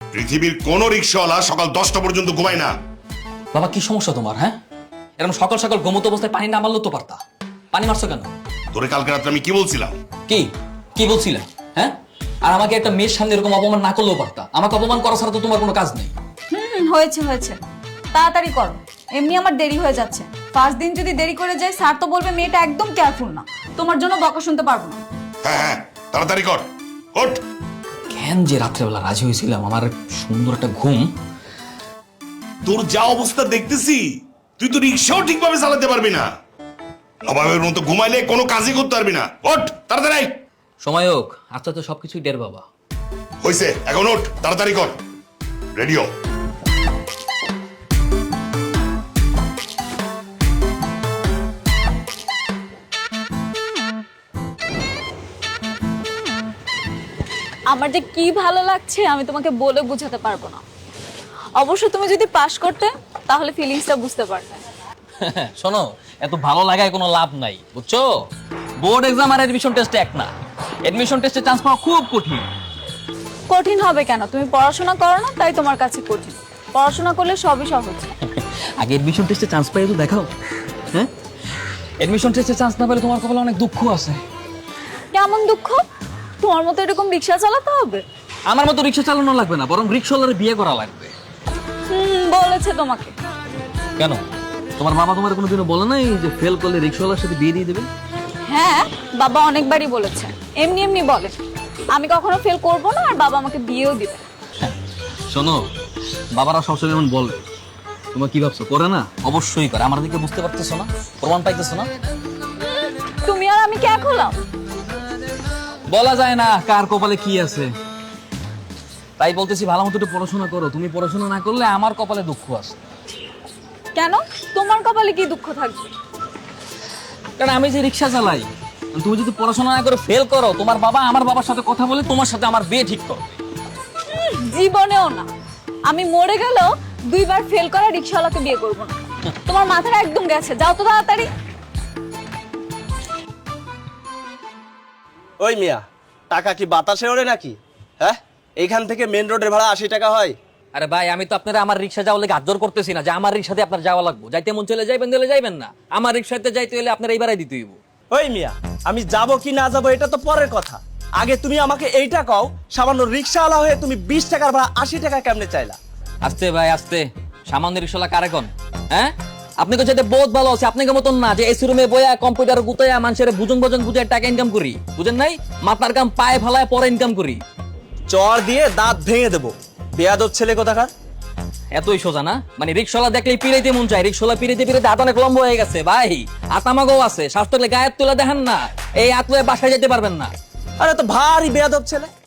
পৃথিবীর কোন রিক্সাওয়ালা সকাল 10টা পর্যন্ত ঘুমায় না। বাবা কি সমস্যা তোমার? হ্যাঁ, এরকম সকাল সকাল ঘুমন্ত অবস্থায় পানি না মারলেও তো পারতা। পানি মারছো কেন? তোরে কালকে রাত্রে আমি কি বলছিলাম? কি কি বলছিলে? হ্যাঁ, আর আমাকে একটা মেয়ের সামনে এরকম অপমান না করলেও পারতা। আমাকে অপমান করা ছাড়া তো তোমার কোনো কাজ নেই। হয়েছে হয়েছে, তাড়াতাড়ি করো, এমনি আমার দেরি হয়ে যাচ্ছে। ফার্স্ট দিন যদি দেরি করে যায় স্যার তো বলবে মেয়েটা একদম কেয়ারফুল না, তোমার জন্য বকা শুনতে পারবো না। হ্যাঁ, তাড়াতাড়ি কর, ওঠ। কেন যে রাত্রেবেলা রাজি হয়েছিলাম, আমার সুন্দর একটা ঘুম। তোর যা অবস্থা দেখতেছি, তুই তো রিক্সাও ঠিকভাবে চালাতে পারবি না। নবাবের মতো ঘুমাইলে কোনো কাজই করতে পারবি না। ওঠ তাড়াতাড়ি। সময় হোক, আচ্ছা তো সবকিছুই ডের বাবা। হইছে, এখন ওঠ, তাড়াতাড়ি কর, রেডিও। আমার যে কি ভালো লাগছে আমি তোমাকে বলে বোঝাতে পারবো না। অবশ্য তুমি যদি পাশ করতে তাহলে ফিলিংসটা বুঝতে পারতে। শোনো, এত ভালো লাগায় কোনো লাভ নাই, বুঝছো? বোর্ড এক্সাম আর এডমিশন টেস্ট এক না। এডমিশন টেস্টে চান্স পাওয়া খুব কঠিন। কঠিন হবে কেন? তুমি পড়াশোনা করো না তাই তোমার কাছে কঠিন। পড়াশোনা করলে সবই সহজ। আগে এডমিশন টেস্টে চান্স পাই তো দেখাও। হ্যাঁ, এডমিশন টেস্টে চান্স না পেলে তোমার কপালে অনেক দুঃখ আছে। কেমন দুঃখ? তোমার মতো এরকম রিক্সা চালাতে হবে? আমার মতো রিক্সা চালানো লাগবে না, বরং রিক্সাওয়ালার বিয়ে করা লাগবে। বলেছে তোমাকে? কেন, তোমার বাবা তোমার কোনোদিনও বলে নাই যে ফেল করলে রিক্সাওয়ালার সাথে বিয়ে দিয়ে দেবে? হ্যাঁ, বাবা অনেকবারই বলেছে, এমনি এমনি বলে। আমি কখনো ফেল করব না, আর বাবা আমাকে বিয়েও দিবে। শোনো, বাবারা সবসময় এমন বলে, তোমার কি ভাবছো করে না? অবশ্যই করে। আমার দিকে বুঝতে পারতেছো না? প্রমাণ পাইতেছো না? তুমি আর আমি কে হলাম? বলা যায় না কার কপালে কি আছে। তাই বলতেছি ভালো মতো একটু পড়াশোনা করো। তুমি পড়াশোনা না করলে আমার কপালে দুঃখ আছে। কেন? তোমার কপালে কি দুঃখ থাকবে? কারণ আমি যে রিক্সা চালাই, তুমি যদি পড়াশোনা না করে ফেল করো, তোমার বাবা আমার বাবার সাথে কথা বলে তোমার সাথে আমার বিয়ে ঠিক করবে। জীবনেও না। আমি মরে গেলেও 2বার ফেল করা রিক্সাওয়ালাকে বিয়ে করবো না। তোমার মাথাটা একদম গেছে, যাও তো তাড়াতাড়ি। ওই মিয়া, টাকা কি বাতাসে ওড়ে নাকি? হ্যাঁ, এইখান থেকে মেন রোডের ভাড়া 80 টাকা হয়। আরে ভাই, আমি তো আপনারা আমার রিক্সা যাওয়ার লেগে আদর করতেছি না যে আমার রিক্সাতে আপনার যাওয়া লাগবে। যাইতে মন চলে যাইবেন, দিলে যাইবেন না। আমার রিক্সাতে যাইতে হলে আপনার এইবারই দিতে হইব। ওই মিয়া, আমি যাব কি না যাব এটা তো পরের কথা। আগে তুমি আমাকে এইটা কও, সামান্য রিক্সাওয়ালা হয়ে তুমি 20 টাকার ভাড়া 80 টাকা কেমনে চাইলা? আস্তে ভাই আস্তে, সামান্য রিক্সাওয়ালা কারে কোন? হ্যাঁ, আপনি তো যেতে বহুত ভালো আছে। আপনাকে মতন না যে এসি রুমে বইয়া কম্পিউটার গুতাইয়া মানুষের বুঝন বুঝে টাকা ইনকাম করি, বুঝেন নাই? মাথার কাম পায়ে ফেলায় পরে ইনকাম করি। চর দিয়ে দাঁত ভেঙে দেবো, বেয়াদব ছেলে কোথাকার। এতই সোজা না? মানে রিক্সাওয়ালা দেখলেই পিড়াইতে মন চায়। রিক্সাওয়ালা পিড়াইতে হাত অনেক লম্বা হয়ে গেছে ভাই। আতামাগো আছে, স্বাস্থ্য গায়ের তুলে দেখেন না, এই আতলে বাসায় যেতে পারবেন না। আরে তো ভারী বেয়াদব ছেলে।